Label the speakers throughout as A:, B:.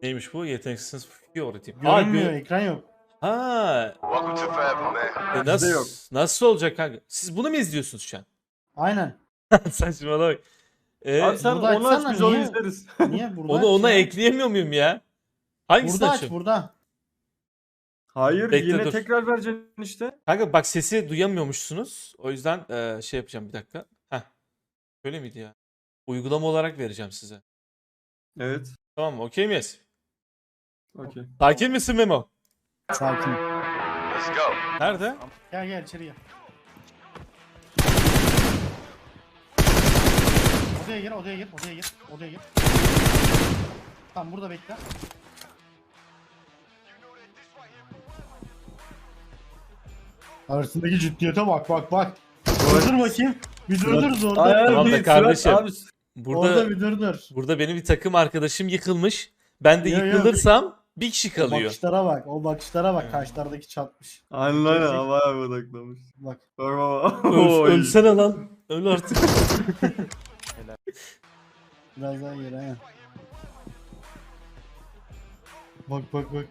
A: Neymiş bu? Yeteneksiz Fiori tip.
B: Görünmüyor, ekran yok.
A: Ha.
C: Welcome to Forever, man.
A: Nasıl,
D: yok.
A: nasıl olacak kanka? Siz bunu mu izliyorsunuz şu an?
B: Aynen.
A: Saçmalama.
D: Abi sen
B: burada
D: onu aç
B: açsana,
D: biz onu
B: niye?
D: izleriz.
B: Niye? Burada
A: Onu
B: aç
A: ona
B: ya.
A: ekleyemiyor muyum ya? Hangisini
B: Burada aç,
A: açayım?
B: burada.
D: Hayır
A: Bekle,
D: yine
A: dur.
D: tekrar vereceksin işte.
A: Kanka bak sesi duyamıyormuşsunuz. O yüzden şey yapacağım bir dakika. Heh. Böyle miydi ya? Uygulama olarak vereceğim size.
D: Evet.
A: Tamam mı? Okey miyiz?
D: Okey.
A: Sakin misin Memo?
B: Sakin.
C: Let's go.
A: Nerede?
B: Gel gel içeri gel. Odaya gir, odaya gir, odaya gir, odaya gir. Tamam burada bekle. Arasındaki ciddiyete bak bak bak. Durdur bakayım. Bir durdur orada.
A: Tamam da kardeşim.
D: Abi,
B: Orada bir durdur.
A: Burada benim bir takım arkadaşım yıkılmış. Ben de
B: Yo, yo.
A: yıkılırsam bir kişi
B: O
A: kalıyor.
B: bakışlara bak, o bakışlara bak. Kaşlardaki çatmış.
D: aynen havaya odaklamış.
B: Bak.
D: Bak bak.
A: Ölsene lan. Öl artık.
B: Biraz daha geri he. Bak bak bak.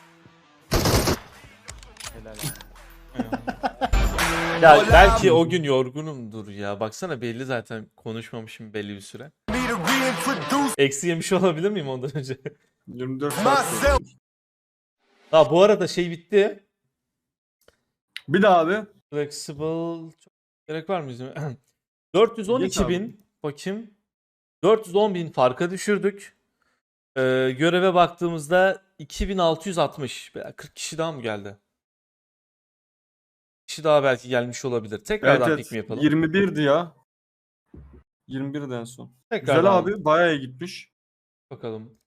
A: Ya belki o gün yorgunumdur ya. Baksana belli zaten konuşmamışım belli bir süre.
C: Need to reintroduce
A: Eksi yemiş olabilir miyim ondan önce?
D: 24 saat.
C: myself.
A: Ha bu arada şey bitti.
D: Bir daha abi.
A: Flexible çok gerek var mı bizim? 412
D: Geç abi.
A: bin bakayım. 410 bin farka düşürdük. Göreve baktığımızda 2660. 40 kişi daha mı geldi? Kişi daha belki gelmiş olabilir. Tekrardan
D: Evet
A: pik mi
D: evet.
A: yapalım?
D: 21'di ya. 21'den son.
A: Tekrardan
D: Güzel abi. Bayağı iyi gitmiş.
A: bakalım.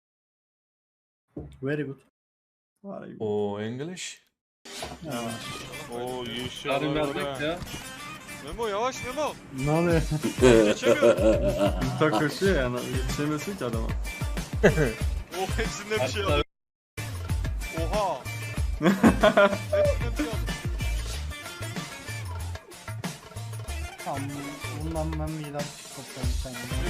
B: Very good.
D: Vay.
A: O English.
B: Ya.
E: Oo yeşil
F: Yarın
E: arabalar
F: verdik
E: ha.
F: ya.
E: Memo yavaş Memo.
B: Ne oluyor?
E: Geçemiyorum.
D: Ta koşuyor yani. Yetişemesin ki adama.
E: Oh hepsinde bir şey aldım. Oha. Hepsinde bir şey aldım.
B: Tamam. Bundan ben bir daha kopacağım sen.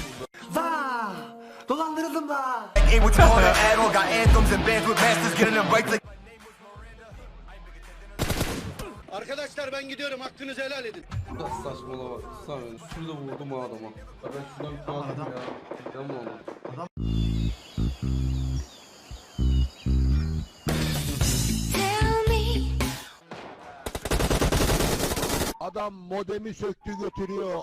C: Ain't what you call that add-on. Got anthems and bands with masters getting them right. Like
G: Arkadaşlar ben gidiyorum, hakkınızı helal edin.
F: Biraz saçmalama. Sana şurada vurdum o adama. Ya ben şuradan bir aldım ya. Gideceğim mi oğlum?
G: Adam modemi söktü götürüyor.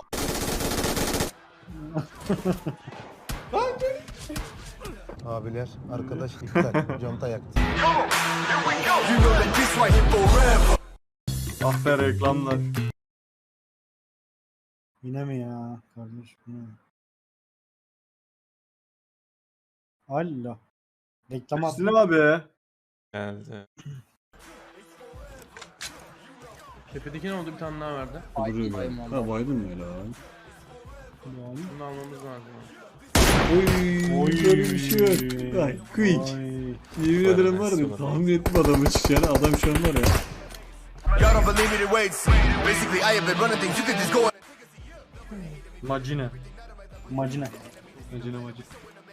H: Abiler, arkadaş iptal, conta yaktı.
C: you know that this right here forever.
D: Ah be reklamlar.
B: Yine mi ya kardeş? Yine mi? Allah. Reklam at.
D: Hepsine abi.
A: Geldi.
F: Tepedeki ne oldu? Bir tane daha verdi.
I: Ha Biden mi öyle abi?
F: Bunu almamız lazım.
I: Oy, böyle bir şey yok. Ay, quick. Yemin ederim var ya, tahmin ettim adamı çıkacağını. Adam şu an var ya.
C: Y'all don't believe me the waits. Basically, I have been running things. You can just go.
D: Macine.
B: Macine.
D: Macine macine.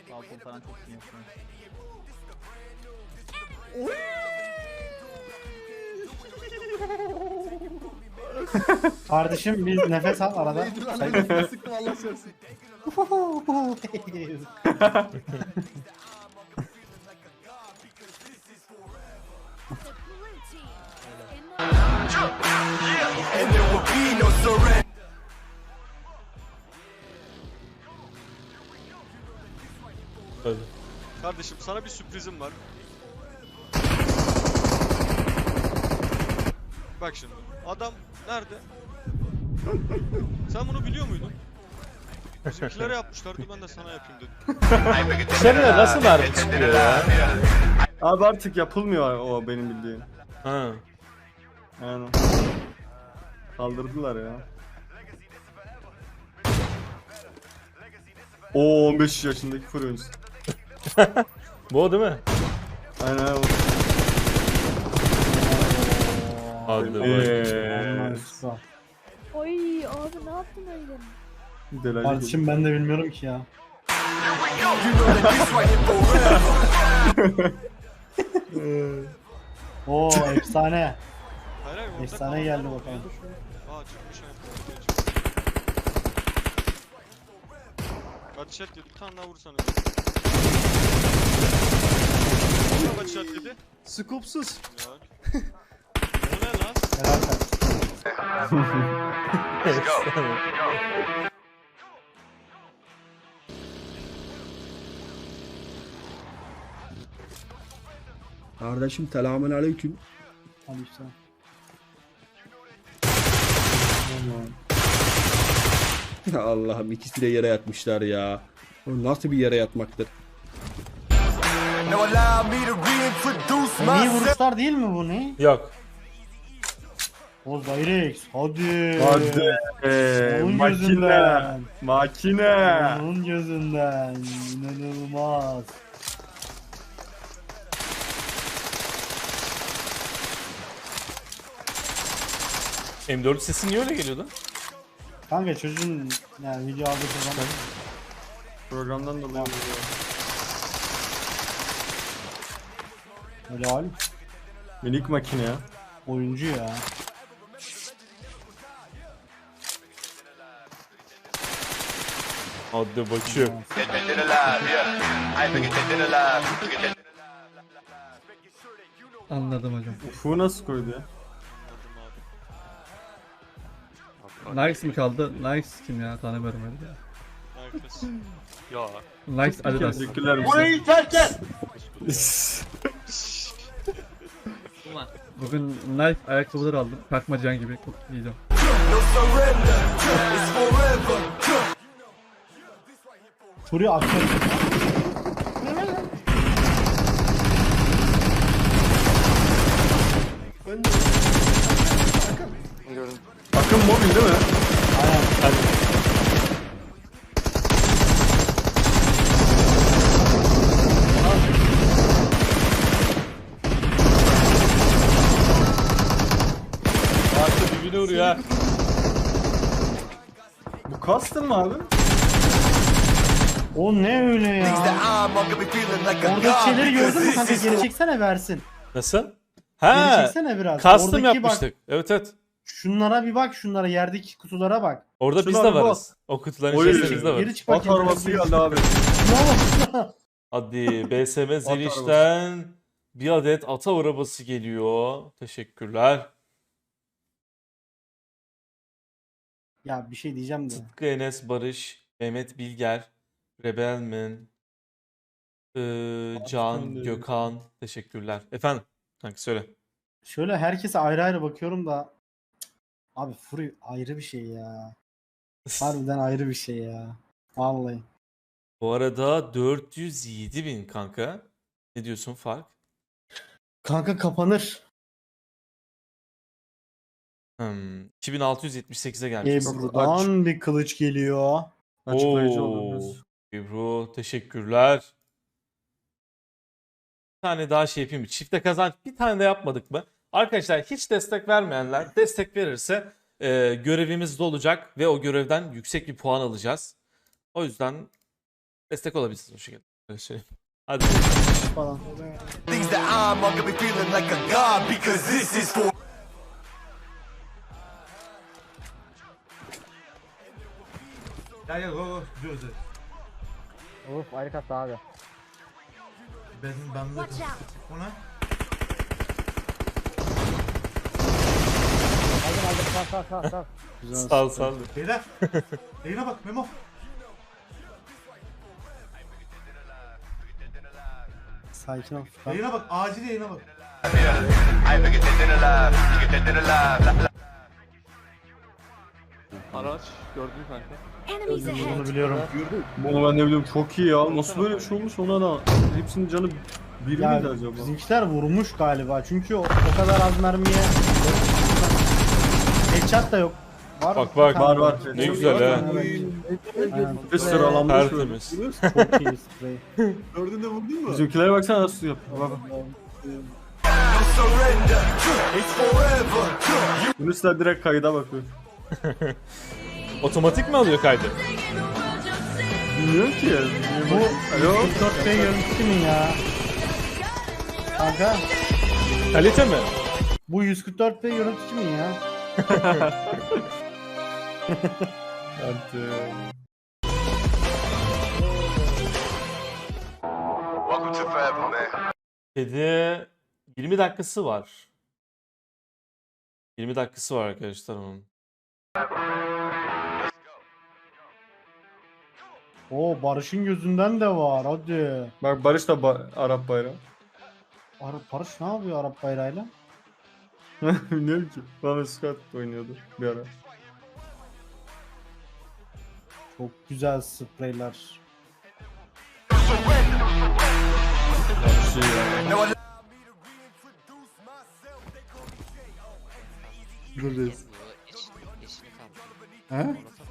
B: Kardeşim bir nefes al arada.
G: Sıktım Allah söylesin.
C: And there will be no surrender.
A: Öyle.
E: Kardeşim sana bir sürprizim var. Bak şimdi. Adam nerede? Sen bunu biliyor muydun? Bizimkilere yapmışlardı ben de sana yapayım dedim.
A: Dışarıya nasıl mermi çıkıyor ya?
D: Abi artık yapılmıyor o benim bildiğim.
A: Ha.
D: Yani. Kaldırdılar ya. Oo 15 yaşındaki fırıncı.
A: Bu o değil mi?
D: Aynen o.
A: Hadi bak.
B: Nice.
J: Oy abi ne yaptın öyle?
D: Delali
B: Kardeşim ben de bilmiyorum ki ya.
C: You know that this right here forever.
B: Oo efsane.
E: Hayır hayır. orada
B: Efsane
E: kaldı.
B: geldi bakalım.
E: Aa çıkmış hayır. Hadi chat dedi. Bir tane daha vursanız. Hadi chat dedi.
G: Skopsuz.
E: Ya. O ne lan?
B: Helal sen.
F: Kardeşim selamun aleyküm.
B: Hadi işte.
F: Allah'ım ikisi de yere yatmışlar ya. O nasıl bir yere yatmaktır?
C: Now allow me to reintroduce
B: Niye
C: myself.
B: vuruşlar değil mi bu ne?
A: Yok.
B: O Zyrex. Hadi.
D: Hadi.
B: Onun
D: Makine.
B: gözünden.
D: Makine.
B: Onun gözünden. İnanılmaz.
A: M4 sesi niye öyle geliyordu?
B: Kanka çocuğun yani video aldığı zaman
D: Programdan dolayı.
B: helal.
D: Minik makine ya.
B: Oyuncu ya.
A: Hadi bakayım.
J: Anladım hocam.
D: Ufu nasıl koydu ya?
J: Nikes mi kaldı? Nikes kim ya? Tanımıyorum öyle ya.
E: Herkes. Ya.
J: Nikes Adidas.
D: Teşekkürler.
B: Burayı terk et.
J: Bugün Nike ayakkabılar aldım. Kalkmacan gibi giyeceğim.
C: No surrender. It's forever.
B: Furi akıyor.
D: Akın mobil değil mi?
A: Artık dibine vuruyor ha.
D: Bu custom mı abi?
B: O ne öyle
C: Things that
B: ya?
C: I'm gonna be feeling like a
B: Oradaki
C: god
B: şeyleri
C: because
B: gördün mü
C: this
B: kanka?
C: is
B: Geri çeksene versin.
A: Nasıl?
B: Geri
A: Ha.
B: çeksene biraz.
A: Custom
B: Oradaki
A: yapmıştık.
B: Bak,
A: Evet evet.
B: şunlara bir bak, şunlara yerdeki kutulara bak.
A: Orada biz
D: Şuna
A: de
D: bir bak.
A: varız. O kutuların
D: Oy.
A: içerisinde biz de varız.
B: Geri çık
D: At
B: bakayım.
D: arabası geldi abi.
B: Şuna bak.
A: Hadi BSM Zeliş'ten bir adet ata arabası geliyor. Teşekkürler.
B: Ya bir şey diyeceğim de.
A: Sıtkı Enes Barış, Mehmet Bilger, Rebelman, Can,
D: de-
A: Gökhan. Teşekkürler. Efendim? Kanka söyle.
B: Şöyle herkese ayrı ayrı bakıyorum da. Abi Fury ayrı bir şey ya. Harbiden ayrı bir şey ya. Vallahi.
A: Bu arada 407.000 kanka. Ne diyorsun fark?
B: Kanka kapanır.
A: 2678'e gelmiş.
B: Ebru'dan bir kılıç geliyor.
D: Açıklayıcı
A: Oo,
D: oluruz.
A: Ebru teşekkürler. Bir tane daha şey yapayım mı? Çifte kazanç bir tane de yapmadık mı? Arkadaşlar hiç destek vermeyenler destek verirse görevimiz de olacak ve o görevden yüksek bir puan alacağız. O yüzden destek olabilirsiniz o şekilde. Öyle söyleyeyim. Hadi.
B: Falan.
C: things that I'm gonna be feeling like a god because this is for.
G: Gel gel go gidiyoruz.
B: Of ayrı kat abi.
G: Ben de. O ne?
A: Sağ ol sağ ol.
G: Beyler. Yayına bak Memo.
B: Sakin ol.
G: Yayına bak. Acil yayına bak.
E: Araç gördün kanka.
B: Bunu biliyorum.
D: Bunu ben ne bileyim çok iyi ya. Nasıl böyle bir şey olmuş ona da. Hepsinin canı bir
B: Ya
D: miydi acaba?
B: bizimkiler vurmuş galiba. Çünkü o kadar az mermiye headshot da yok. Var
A: Bak,
B: mı?
A: bak.
D: Var.
A: Ne güzel ha.
B: Aynen.
D: Bir sıralanmış böyle.
A: Tertemiz.
B: Çok iyi sprey.
G: Gördün de vurdun mu?
D: Bizimkilere baksana nasıl yapıyor. Bak.
C: Surrender. It's forever.
D: Yunus da direkt kayda bakıyor.
A: Otomatik mi alıyor kaydı?
D: Bilmiyorum ki.
B: Bu
D: Alo.
B: 144p görüntü kimin ya? Kanka
A: Kalite mi?
B: bu 144p görüntü kimin ya?
D: Hadi.
C: Welcome to forever, man.
A: Kedi 20 dakikası var. 20 dakikası var arkadaşlar onun.
B: Oo Barış'ın gözünden de var hadi.
D: Bak Barış da Arap bayrağı.
B: Barış ne yapıyor Arap bayrağıyla?
D: Bilmiyorum ki. Bana Scott oynuyordu bir ara.
B: Çok güzel spreyler.
D: Buradayız.
B: He?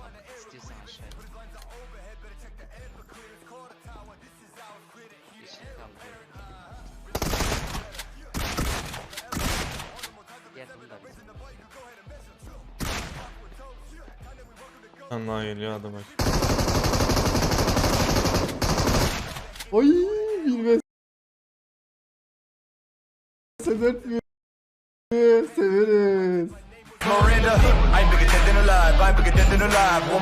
A: Anla geliyor adam bak.
I: Oy bilmez. Sedert mi? Severiz.
C: Miranda, I'm bigger dead than alive. I'm bigger dead than alive.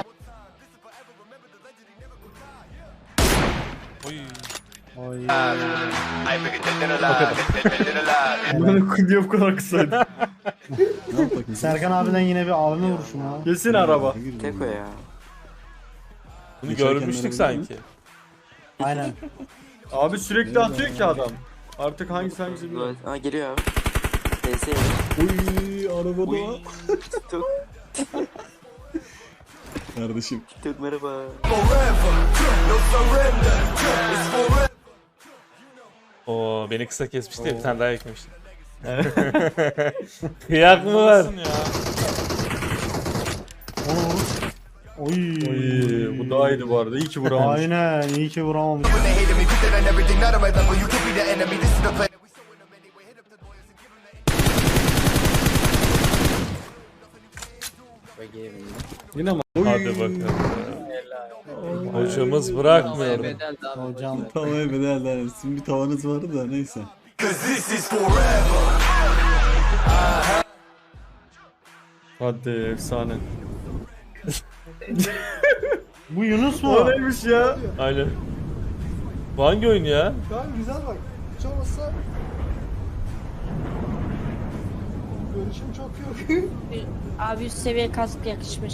A: Oy.
B: Oy.
C: I'm bigger dead than alive. Dead than alive.
D: Ben niye bu kadar kısaydı?
B: Serkan abiden yine bir AVM vuruşu mu?
D: Kesin araba.
F: Teko ya.
A: Bunu
I: Geçerken
A: görmüştük
I: verebilir
A: sanki.
B: Aynen.
D: Abi sürekli atıyor ki adam. Artık hangisi bilmiyorum.
F: Aa geliyor abi. DS
I: Oy arabada
F: Uy.
I: var.
F: Tuk
I: Kardeşim.
F: tuk merhaba.
C: No surrender. It's forever.
A: Oo beni kısa kesmişti bir tane daha eklemişti. Kıyak mı var?
B: Oy.
D: Oy, bu daha iyiydi bu arada. İyi ki vuramamış.
B: Aynen iyi ki vuramamış.
C: When they hated me, put that on everything. Not on my level. You could be the enemy. This is the plan.
D: Yine mi?
A: Hadi bakalım. Hocamız bırakmıyor.
B: Hocam.
I: Tavaya bedel sizin bir tavanız vardı da neyse.
C: 'Cause this is forever.
D: Hadi efsane.
B: Bu Yunus mu?
D: O neymiş ya?
A: Aynen. Bu hangi oyun ya?
G: Tamam güzel bak. Hiç olmazsa görüşüm çok yok.
K: Abi üst seviye kask yakışmış.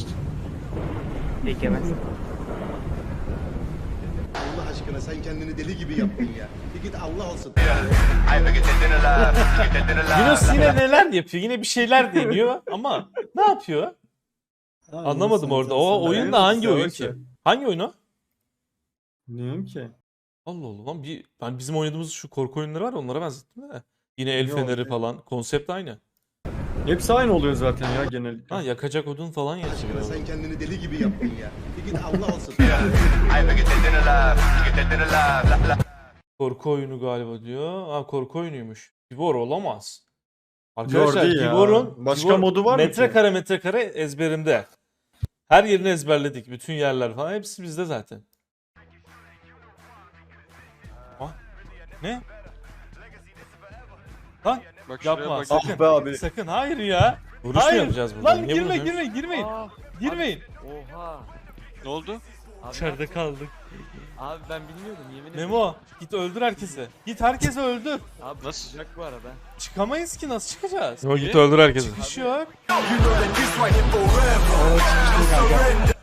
G: Allah aşkına sen kendini deli gibi yaptın ya. Bir git Allah olsun.
C: I'm bigger dead than alive. Bigger dead than alive.
A: Yunus yine neler yapıyor? Yine bir şeyler deniyor ama ne yapıyor? Anlamadım orada. O oyun da hangi oyun ki? Hangi oyun o?
D: Bilmiyorum ki.
A: Allah Allah lan ben bizim oynadığımız şu korku oyunları var ya, onlara benzettim de. Yine el
D: Yok.
A: feneri falan. Konsept aynı.
D: Hepsi aynı oluyor zaten ya genellikle.
A: Ha yakacak odun falan
G: Aşkına
A: yazıyor.
G: sen kendini deli gibi yaptın ya. Bir git Allah olsun.
C: I'm bigger dead than alive. Bigger dead than alive. La, la.
A: Korku oyunu galiba diyor. Ha korku oyunuymuş. Gibor olamaz. Arkadaşlar
D: Jordi ya.
A: Gibor'un
D: Başka modu var mı ki?
A: metrekare ezberimde. Her yerini ezberledik. Bütün yerler falan. Hepsi bizde zaten. Ah, ne? Lan
E: Bak şuraya
A: yapma
E: bak.
A: sakın.
D: Ah be abi.
A: Sakın hayır ya. Vuruş mu Hayır. yapacağız burada?
B: Lan
A: Niye
B: girme
A: vuruyoruz?
B: girme girmeyin. Girmeyin.
F: Oha.
E: Ne oldu?
A: İçeride kaldık.
F: Abi ben bilmiyordum yemin ederim.
A: Memo git öldür herkesi. Git herkesi öldür.
F: Abi
E: Nasıl?
F: sıcak bu arada.
A: Çıkamayız ki, nasıl çıkacağız? Memo
E: Niye?
A: git öldür herkesi. Çıkış yok.
C: You know that this right here forever. No surrender.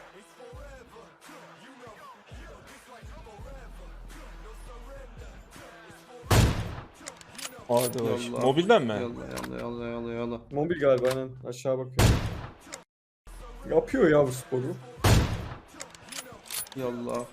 A: Hadi
D: Yallah.
A: baş. Mobilden mi?
D: Yalla. Mobil galiba aynen. Aşağı bakıyor. Yapıyor ya bu sporu. Yalla.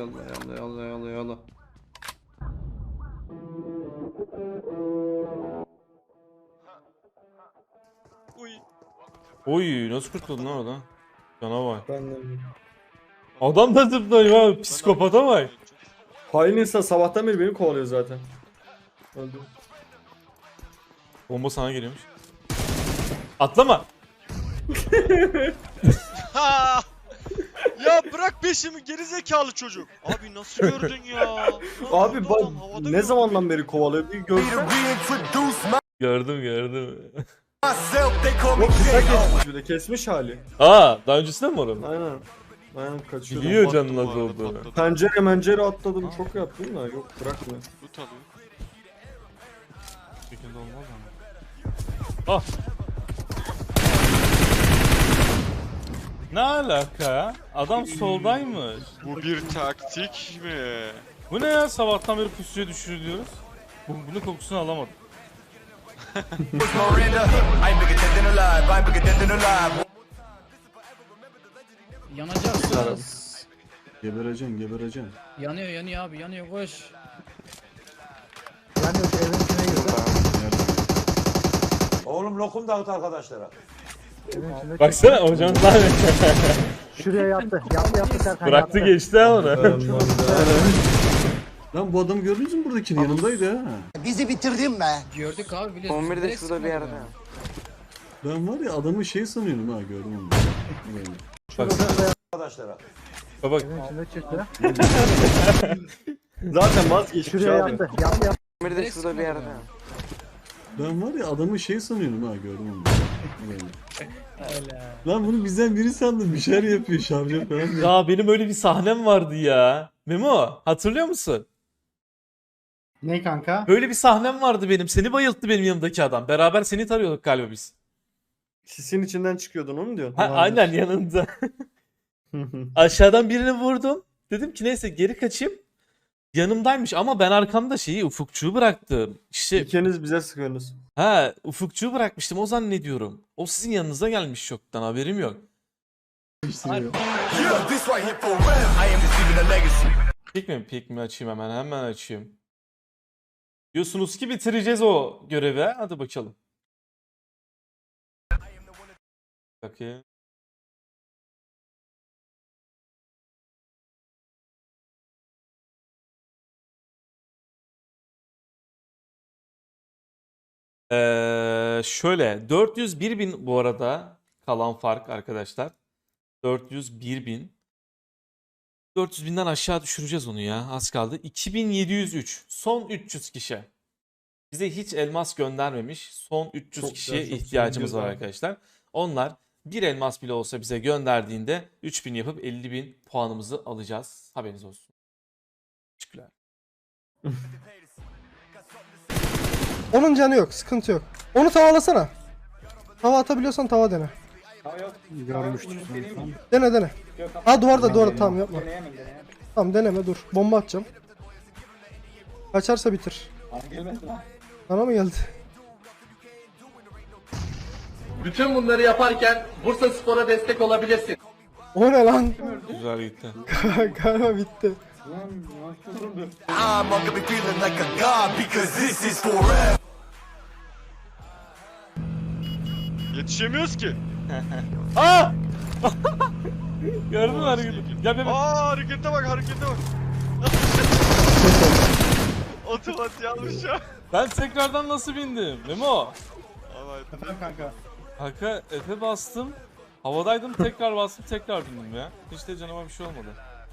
E: Uy.
A: Oy nasıl kurtuldun lan oradan? Canavar.
D: Ben de.
A: Adam da zıplıyor ha. Psikopata bak.
D: Hain insan sabahtan beri beni kovalıyor zaten. Öldüm.
A: Bomba sana geliyormuş. Atlama.
E: Ha! Ya bırak peşimi gerizekalı çocuk. Abi nasıl gördün ya? Lan
D: Abi
E: orada
D: bak
E: adam havada
D: ne
E: gördü
D: zamandan beri kovalıyor bir
C: Me to
D: görsen.
C: reintroduce
A: Gördüm.
C: myself, they call me
D: Yok kısa
C: J.O.
D: kesmiş bir de kesmiş hali.
A: Aa, daha öncesinde mi oranın?
D: Aynen. Aynen kaçıyor.
A: Biliyor
E: Baktım
A: canın
E: bu
A: nasıl
E: arada,
A: olduğunu.
E: patladı.
D: Pencere atladım çok yaptım da yok bırakmıyor.
E: Loot alıyor.
A: Şekilde olmaz ama. Ah. Ne alaka ya? Adam soldaymış.
E: Bu bir taktik mi?
A: Bu ne ya? Sabahtan beri pusuya düşürüyoruz. Bunun kokusunu alamadım.
C: Miranda, I ain't bigger dead than alive, I ain't bigger dead than alive.
J: Yanacaksınız.
I: Gebereceksin.
J: Yanıyor abi yanıyor koş.
H: Yani yok evin içine girdi.
C: Oğlum lokum dağıt arkadaşlara.
H: Evin içinde
A: Baksana hocam daha
H: şuraya yattı. Yattı Serkan
A: bıraktı
H: yattı.
A: geçti ha onu.
I: Lan bu adamı gördünüz mü buradakinin yanındaydı ha.
C: Bizi bitirdin be.
J: Gördük abi biliyorsun. 11'de şurada bir yerde.
I: Ben var ya adamı şey sanıyorum ha gördüm onu. Böyle.
C: Arkadaşlara.
A: Bak
H: Evin içinde çıktı.
D: Zaten vazgeçmiş
H: Şuraya
D: abi.
H: yattı. Yattı.
J: 11'de şurada bir yerde.
I: Ben var ya adamı şey sanıyorum ha gördüm onu. Böyle. Lan bunu bizden biri sandım bir şeyler yapıyor şarjör falan. diye.
A: ya benim öyle bir sahnem vardı ya. Memo hatırlıyor musun?
B: Ne kanka?
A: Böyle bir sahnem vardı benim. Seni bayılttı benim yanımdaki adam. Beraber seni tarıyorduk galiba biz.
D: Sisin içinden çıkıyordun onu mu diyorsun?
A: Ha, aynen yanında. Aşağıdan birini vurdum. Dedim ki neyse geri kaçayım. Yanımdaymış ama ben arkamda şeyi ufukçuğu bıraktım. İşte
D: İkiniz bize sıkıyorsunuz.
A: ha ufukçuğu bırakmıştım o zannediyorum. O sizin yanınıza gelmiş çoktan haberim yok.
C: Yeah, this right here for real. I am receiving a legacy.
A: Pik mi açayım hemen açayım. Diyorsunuz ki bitireceğiz o görevi. Hadi bakalım. Bakayım. Şöyle 401 bin bu arada kalan fark arkadaşlar. 401 bin. 400 binden aşağı düşüreceğiz onu ya. Az kaldı. 2703. Son 300 kişi. Bize hiç elmas göndermemiş. Son 300
D: Çok
A: kişiye
D: güzel, çok
A: ihtiyacımız
D: güzel.
A: var arkadaşlar. Onlar bir elmas bile olsa bize gönderdiğinde 3000 yapıp 50 bin puanımızı alacağız. Haberiniz olsun. Teşekkürler.
L: Onun canı yok, sıkıntı yok. Onu tavalasana. Tava atabiliyorsan tava dene.
B: Görmüştüm.
L: Dene. Ha duvarda tamam yapma. Tamam deneme dur. Bomba atacağım. Kaçarsa bitir. Bana mı geldi?
F: Bütün bunları yaparken Bursa Spor'a destek olabilirsin.
L: O ne lan?
A: Güzel gitti.
L: Galiba bitti.
C: I'm gonna be feeling like a god because this is for real.
E: Yetişemiyoruz ki.
A: Aa! Gördün mü hareketi? Gel bebeğim.
E: Aa harekete bak. Otomat yanlış ya.
A: Ben tekrardan nasıl bindim? Memo.
E: Abi
B: Kanka.
A: Kanka Efe bastım. Havadaydım tekrar bastım tekrar bindim ya. Hiç de canıma bir şey olmadı.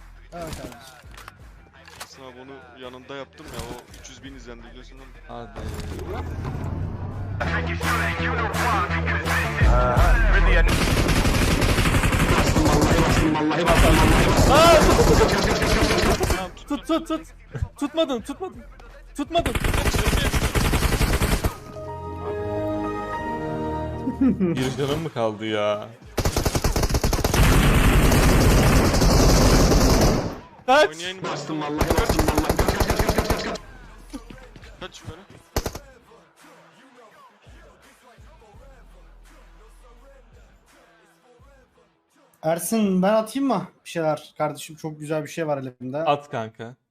E: sana bunu yanında yaptım ya o 300 bin izlendi biliyorsun değil mi?
A: Hadi. Tut. Tutmadın. Bir canım mı kaldı ya? Kaç.
E: Oynayayım bastım. Kaç yukarı.
B: Ersin ben atayım mı bir şeyler kardeşim? Çok güzel bir şey var elimde.
A: At kanka.